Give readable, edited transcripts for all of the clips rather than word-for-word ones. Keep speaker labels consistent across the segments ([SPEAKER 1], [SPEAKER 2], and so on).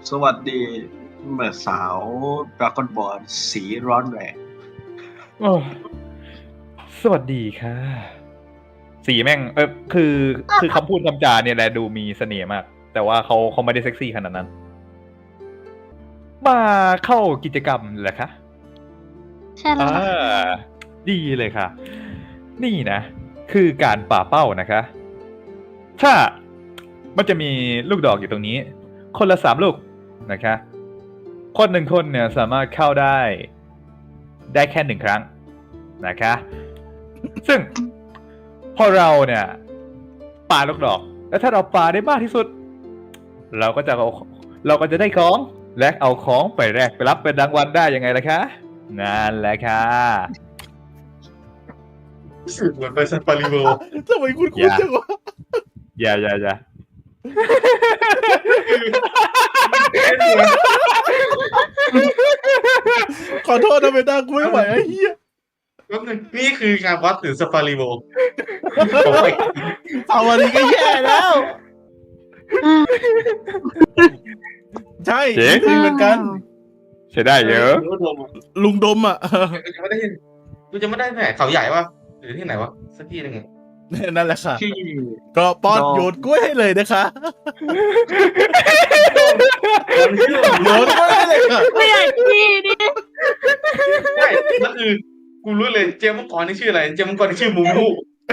[SPEAKER 1] สวัสดีเมื่อสาวดราก้อนบอลสีร้อนแรง
[SPEAKER 2] โอ้สวัสดีค่ะ สีแม่งคือคำพูดคำจาเนี่ยแหละดูมีเสน่ห์มาก แต่ว่าเขาไม่ได้เซ็กซี่ขนาดนั้น มาเข้ากิจกรรมเหรอคะ
[SPEAKER 3] ใช่แล้ว
[SPEAKER 2] ดีเลยค่ะ นี่นะ คือการป่าเป้านะคะ ถ้ามันจะมีลูกดอกอยู่ตรงนี้ คนละ3 ลูกนะคะ คน1 คนเนี่ยสามารถเข้าได้แค่1 ครั้งนะคะ ซึ่งพอเราเนี่ยปาลูกดอก แล้วถ้าเราปาได้มากที่สุด เราก็จะได้ของและเอาของไปแลกไปรับเป็นรางวัลได้ยังไงล่ะคะนั่นแหละค่ะ
[SPEAKER 4] สึกเหมือนไปซันปาริโว
[SPEAKER 5] ทำไมคุณจังวะ
[SPEAKER 2] อย่า
[SPEAKER 5] ขอโทษนะเบต้ากูไม่ไหวไอ้เหี้ย
[SPEAKER 4] แป๊บนึงนี่คือการวัดถึงซันปาริโว
[SPEAKER 5] เอาวันนี้ก็แย่แล้ว ใช่จริงเหมือนกัน
[SPEAKER 2] ใช้ได้เยอะ
[SPEAKER 5] ลุงดมอ่ะ
[SPEAKER 4] กูจะไม่ได้ที่ไหนเขาใหญ่ปะหรือที่ไหนวะสักที่หนึ่ง
[SPEAKER 5] นั่นแหละค่ะ
[SPEAKER 1] ที่
[SPEAKER 5] ก็ป้อนโยนกล้วยให้เลยนะคะโยนกล้วยให้เลยค่ะ
[SPEAKER 3] ไม่อยากขี้ดิ
[SPEAKER 4] ใช่นั่นคือกูรู้เลยเจมส์มังกรนี่ชื่ออะไรเจมส์มังกรนี่ชื่อมูมู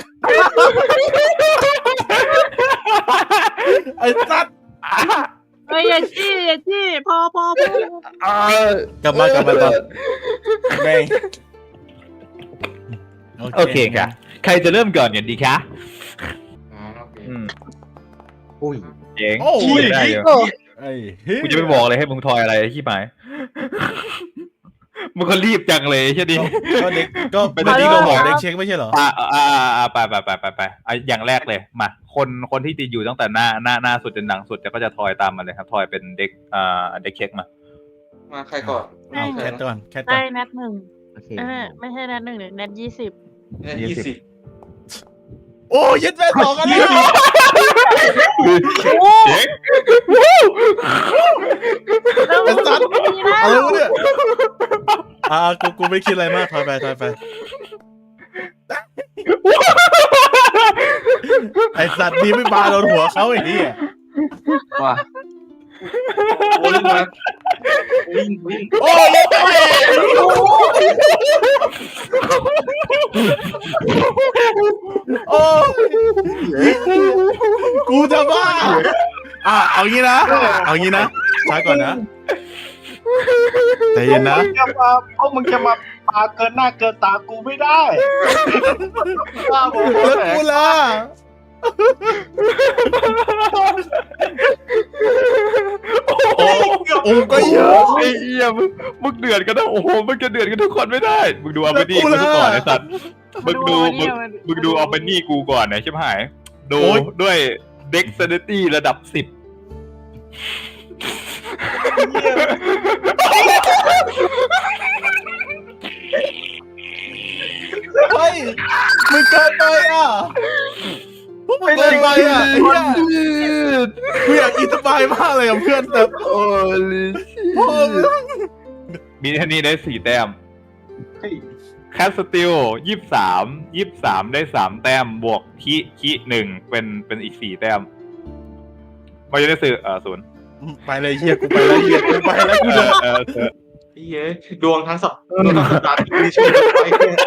[SPEAKER 5] ไอ้สัตว์
[SPEAKER 3] ไม่อยากขี้พอก
[SPEAKER 5] ลับมาตอนแม่ง
[SPEAKER 2] โอเคค่ะ ใครจะเริ่มก่อนกันดีคะ
[SPEAKER 4] อ๋อโอเค
[SPEAKER 1] อุ้ย
[SPEAKER 2] เจ๋ง
[SPEAKER 5] โอ้
[SPEAKER 2] ขี้
[SPEAKER 5] ย
[SPEAKER 2] ได้เยอะ
[SPEAKER 5] ไอ้เฮ้ย
[SPEAKER 2] กูจะไม่บอกเลยให้มึงทอยอะไรขี้หมายมึงก็รีบจังเลยใช่ดิ
[SPEAKER 5] ก็เด็กก็เป็นที่เราบอกเด็กเช็คไม่ใช่เหรอ
[SPEAKER 2] ไปอย่างแรกเลยมาคนที่ติดอยู่ตั้งแต่หน้าสุดจนหลังสุดก็จะทอยตามมาเลยครับทอยเป็นเด็กเด็กเช็คมา
[SPEAKER 4] มาใครก่อน
[SPEAKER 5] เอาแคทก่อนแคทก่
[SPEAKER 3] ได้
[SPEAKER 5] อน
[SPEAKER 3] นัด1
[SPEAKER 1] โอเค
[SPEAKER 3] ไม่ใช่นัด1หรือนัด20
[SPEAKER 4] เนี่ย20
[SPEAKER 5] โอ้ยึดแม่สองกันแล้ว
[SPEAKER 2] เจ๋ง
[SPEAKER 5] ไอ้สัตว์อะไรวะเนี่ยกูไม่คิดอะไรมากถอยไปไอ้สัตว์นี่ไม่ปาโดนหัวเขาไอ้เหี้ย
[SPEAKER 1] ว่า
[SPEAKER 4] โอ้ยมาวิ่ง
[SPEAKER 5] โอ้ยโอ้กูจะบ้าเอางี้นะช้าก่อนนะใจเย็นนะ
[SPEAKER 1] พวกมึงจะมาปาเกินหน้าเกินตากูไม่ได้บ้าบอ
[SPEAKER 5] แล้วกูล่ะ โอ้ก็เยอะ
[SPEAKER 2] ไอ้เหี้ยมึงเดือดกันนะโอ้โหมึงจะเดือดกันทุกคนไม่ได้มึงดูเอาไปนี่กูก่อนไอ้สัตว์มึงดูเอาไปนี่กูก่อนนะใช่ไหมดูด้วยเด็กเซนตี้ระดับ10
[SPEAKER 5] เฮ้ยมึงเกินไปอ่ะพวกมึงเกินไปอ่ะไอ้เหี้ยกูอยากอินสบายมากเลยกับเพื่อนแต่โอ้ยพ่อ
[SPEAKER 2] มีท่านี้ได้4 แต้มแคสติล23ได้3 แต้มบวกคิ1เป็นอีก4 แต้มมาจะได้สื่อ0
[SPEAKER 5] ไปเลยเหี้ยกูไปแล้วเหี้ยกูไปแล้วกูเดิน
[SPEAKER 4] เย้ดวงทั้งสัปดาห์ที่มีช่วยไว้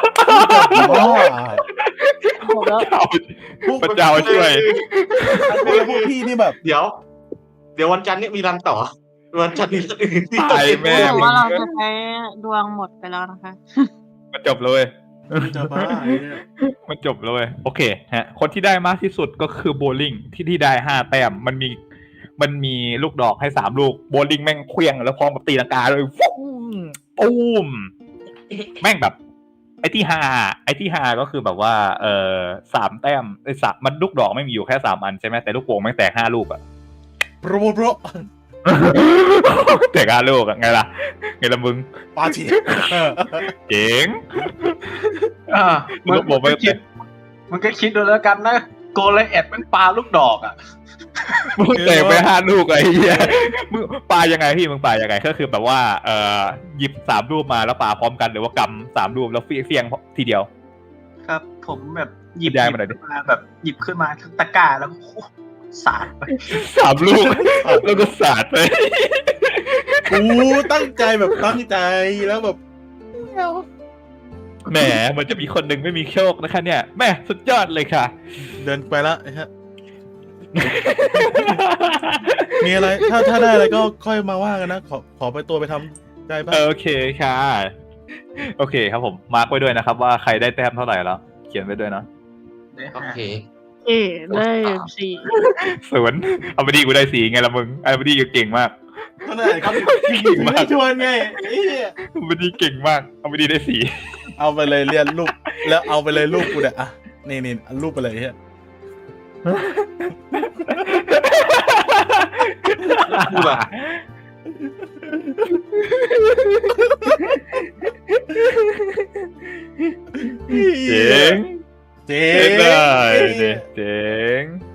[SPEAKER 2] พระเจ้าช่วย
[SPEAKER 5] พวกพี่นี่แบบ
[SPEAKER 4] เดี๋ยววันจันทร์นี้มีรันต่อวันจันทร์นี้รันอื่นที่
[SPEAKER 2] ตายแม่
[SPEAKER 3] ว่าเราจะใช้ดวงหมดไปแล้วนะคะ
[SPEAKER 2] มันจบเลย
[SPEAKER 5] จะบ้า
[SPEAKER 2] มันจบเลยโอเคฮะคนที่ได้มากที่สุดก็คือโบลิ่งที่ได้5 แต้มมันมีลูกดอกให้3 ลูกโบลิ่งแม่งเคลี้ยงแล้วพร้อมกับตีลังกาเลยฟุ้งตูมแม่งแบบไอ้ที่ห้าก็คือแบบว่า3 แต้มไอ้มันลูกดอกไม่มีอยู่แค่3 อันใช่ไหมแต่ลูกโป่งแม่งแตก5 ลูกอะ
[SPEAKER 5] โปร
[SPEAKER 2] แตก5 ลูกอะไงล่ะมึง
[SPEAKER 5] ปาที
[SPEAKER 2] เจ๋ง
[SPEAKER 1] มึงก็คิดดูแล้วกันนะโกเลเอ็ดมันปาลูกดอกอ่ะ
[SPEAKER 2] มึงเตะไป5 ลูกไอ้เหี้ยมึงปายังไงพี่มึงปายังไงก็คือแบบว่าหยิบ3 รูปมาแล้วปาพร้อมกันหรือว่ากำ3 รูปแล้วเฟี้ยงทีเดียว
[SPEAKER 1] ครับ ผมแบบหยิบ
[SPEAKER 2] ได้มาหน่อยดิ
[SPEAKER 1] มาแบบหยิบขึ้นมาทั้งตะกร้าแล้วก็สาดไป
[SPEAKER 2] 3 ลูกแล้วก็สาดไป
[SPEAKER 5] กูตั้งใจแบบตั้งใจแล้วแบบ
[SPEAKER 2] แหมมันจะมีคนหนึ่งไม่มีโชคนะคะเนี่ยแม่สุดยอดเลยค่ะ
[SPEAKER 5] เดินไปแล้วฮะมีอะไรถ้าได้อะไรก็ค่อยมาว่ากันนะขอไปตัวไปทำใจบ้าง
[SPEAKER 2] โอเคค่ะ โอเคครับผมมาร์กไว้ด้วยนะครับว่าใครได้แต้มเท่าไหร่แล้ว เขียนไว้ด้วยนะ
[SPEAKER 4] โอเค
[SPEAKER 3] ได้สี่
[SPEAKER 2] 0เอาไปดีกูได้4ไงละมึงเอาไปดีกูเก่งมาก
[SPEAKER 5] ก็ได้ครับไม่ชวนไงไอ้เหี้ย
[SPEAKER 2] เอาไปดีเก่งมากเอาไปดีได้4
[SPEAKER 5] เอาไปเลยเรียนรูปแล้วเอาไปเลยรูปกูเนี่ยอ่ะนี่เอารูปไปเลยเฮีย
[SPEAKER 4] กูล่ะ
[SPEAKER 2] เจ๋ง
[SPEAKER 5] เจ๋
[SPEAKER 2] เจ๋ง
[SPEAKER 5] ง
[SPEAKER 2] เลยเจ๋ง